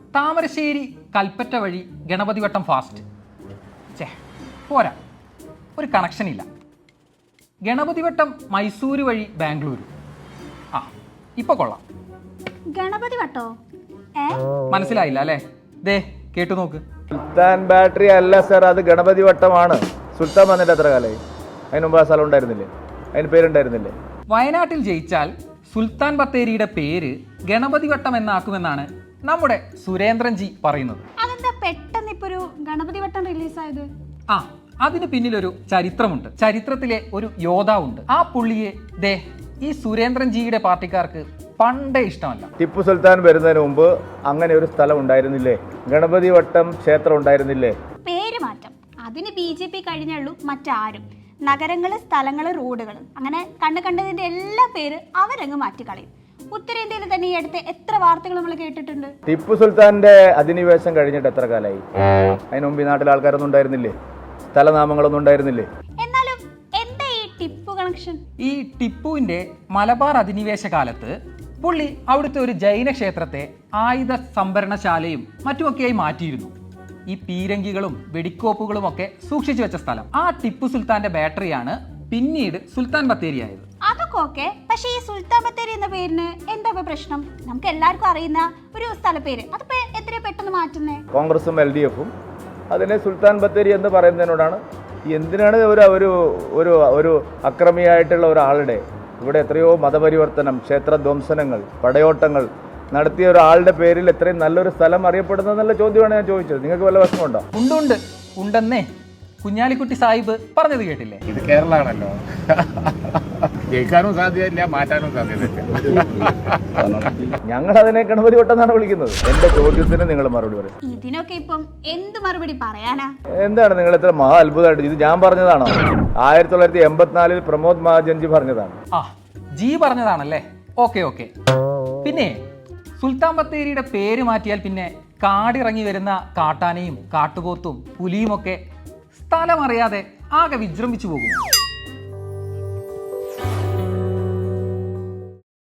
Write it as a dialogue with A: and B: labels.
A: താമരശ്ശേരി കൽപ്പറ്റ വഴി ഗണപതി വട്ടം ഫാസ്റ്റ്. പോരാ, ഒരു കണക്ഷൻ ഇല്ല. ഗണപതി വട്ടം മൈസൂര് വഴി ബാംഗ്ലൂരു. ഇപ്പൊ കൊള്ളാം.
B: ഗണപതി വട്ടോ
A: മനസ്സിലായില്ല അല്ലേ? ദേ കേട്ടു നോക്ക്.
C: സുൽത്താൻ ബാറ്ററി അല്ല സർ, അത് ഗണപതി വട്ടമാണ്. സുൽത്താൻ വന്നിട്ട് എത്ര കാലമായി? അതിന് മുമ്പ് ആ സ്ഥലം ഉണ്ടായിരുന്നില്ലേ? അതിന് പേരുണ്ടായിരുന്നില്ലേ?
A: വയനാട്ടിൽ ജയിച്ചാൽ സുൽത്താൻ ബത്തേരിയുടെ പേര് ഗണപതി വട്ടം എന്നാക്കുമെന്നാണ് നമ്മുടെ സുരേന്ദ്രൻ ജി പറയുന്നത്.
B: അതെന്താ പെട്ടെന്ന് ഇപ്പൊ ഒരു ഗണപതി വട്ടം റിലീസായത്?
A: അതിന് പിന്നിലൊരു ചരിത്രമുണ്ട്. ചരിത്രത്തിലെ ഒരു യോദ്ധാവുണ്ട്. ആ പുള്ളിയെ ദേ ഈ സുരേന്ദ്രൻ ജിയുടെ പാർട്ടിക്കാർക്ക് പണ്ടേ ഇഷ്ടമല്ല.
C: ടിപ്പു സുൽത്താൻ വരുന്നതിന് മുമ്പ് അങ്ങനെ ഒരു സ്ഥലം ഉണ്ടായിരുന്നില്ലേ? ഗണപതി വട്ടം ക്ഷേത്രം ഉണ്ടായിരുന്നില്ലേ?
B: പേര് മാറ്റം അതിന് BJP കഴിഞ്ഞുള്ളൂ, മറ്റാരും. നഗരങ്ങള്, സ്ഥലങ്ങള്, റോഡുകളും അങ്ങനെ കണ്ടതിന്റെ എല്ലാ പേര് അവരങ്ങ് മാറ്റിക്കളയും. ഉത്തരേന്ത്യയിൽ തന്നെ ഈ അടുത്ത് എത്ര വാർത്തകൾ നമ്മൾ കേട്ടിട്ടുണ്ട്.
C: ടിപ്പു സുൽത്താന്റെ അധിനിവേശം കഴിഞ്ഞിട്ട് എത്ര കാലമായി? അതിന് മുമ്പ് ഈ നാട്ടിൽ ആൾക്കാരൊന്നും ഉണ്ടായിരുന്നില്ലേ? സ്ഥലനാമങ്ങളൊന്നും ഉണ്ടായിരുന്നില്ലേ?
B: എന്നാലും എന്താ ഈ ടിപ്പു കണക്ഷൻ?
A: ഈ ടിപ്പുവിന്റെ മലബാർ അധിനിവേശ കാലത്ത് പുള്ളി അവിടുത്തെ ഒരു ജൈന ക്ഷേത്രത്തെ ആയുധ സംഭരണശാലയും മറ്റുമൊക്കെയായി മാറ്റിയിരുന്നു. ഈ പീരങ്കികളും വെടിക്കോപ്പുകളും ഒക്കെ സൂക്ഷിച്ചു വെച്ച സ്ഥലം. ആ ടിപ്പു സുൽത്താന്റെ ബാറ്ററിയാണ് പിന്നീട് സുൽത്താൻ ബത്തേരി ആയത്.
B: അതൊക്കെ ഓക്കെ, പക്ഷേ ഈ സുൽത്താൻ ബത്തേരി എന്ന പേരിന് എന്താ പ്രശ്നം? നമുക്ക് എല്ലാവർക്കും അറിയുന്ന ഒരു സ്ഥലപ്പേര്, അതിപ്പോ എത്രയോ പെട്ടെന്ന് മാറ്റുന്നേ?
C: കോൺഗ്രസും LDF-ഉം അതിനെ സുൽത്താൻ ബത്തേരി എന്ന് പറയുന്നതിനോടാണ്. എന്തിനാണ് ഒരു അക്രമിയായിട്ടുള്ള ഒരാളുടെ ഇവിടെ എത്രയോ മതപരിവർത്തനം, ക്ഷേത്രധ്വംസനങ്ങൾ, പടയോട്ടങ്ങൾ നടത്തിയ ഒരാളുടെ പേരിൽ എത്രയും നല്ലൊരു സ്ഥലം അറിയപ്പെടുന്നതെന്നുള്ള ചോദ്യമാണ് ഞാൻ ചോദിച്ചത്. നിങ്ങൾക്ക് വല്ല വിഷമമുണ്ടോ?
A: ഉണ്ടെന്നേ കുഞ്ഞാലിക്കുട്ടി സാഹിബ് പറഞ്ഞത് കേട്ടില്ലേ?
D: ഇത് കേരളമാണല്ലോ, ജയിക്കാനും സാധ്യതയില്ല, മാറ്റാനും സാധ്യതയില്ല.
C: ഞങ്ങൾ അതിനെ ഗണപതി വട്ടം എന്നാണ് വിളിക്കുന്നത്. എന്റെ ചോദ്യത്തിന് നിങ്ങൾ മറുപടി പറയും.
B: ഇതിനൊക്കെ ഇപ്പം എന്ത് മറുപടി പറയാനാ?
C: എന്താണ് നിങ്ങൾ ഇത്ര മഹാ അത്ഭുതമായിട്ട്? ഇത് ഞാൻ പറഞ്ഞതാണോ? 1984 പ്രമോദ് മഹാജൻജി പറഞ്ഞതാണ്.
A: ജി പറഞ്ഞതാണല്ലേ? ഓക്കെ. പിന്നെ സുൽത്താൻ ബത്തേരിയുടെ പേര് മാറ്റിയാൽ പിന്നെ കാടിറങ്ങി വരുന്ന കാട്ടാനയും കാട്ടുപോത്തും പുലിയുമൊക്കെ സ്ഥലം അറിയാതെ ആകെ വിജൃംഭിച്ചു പോകും.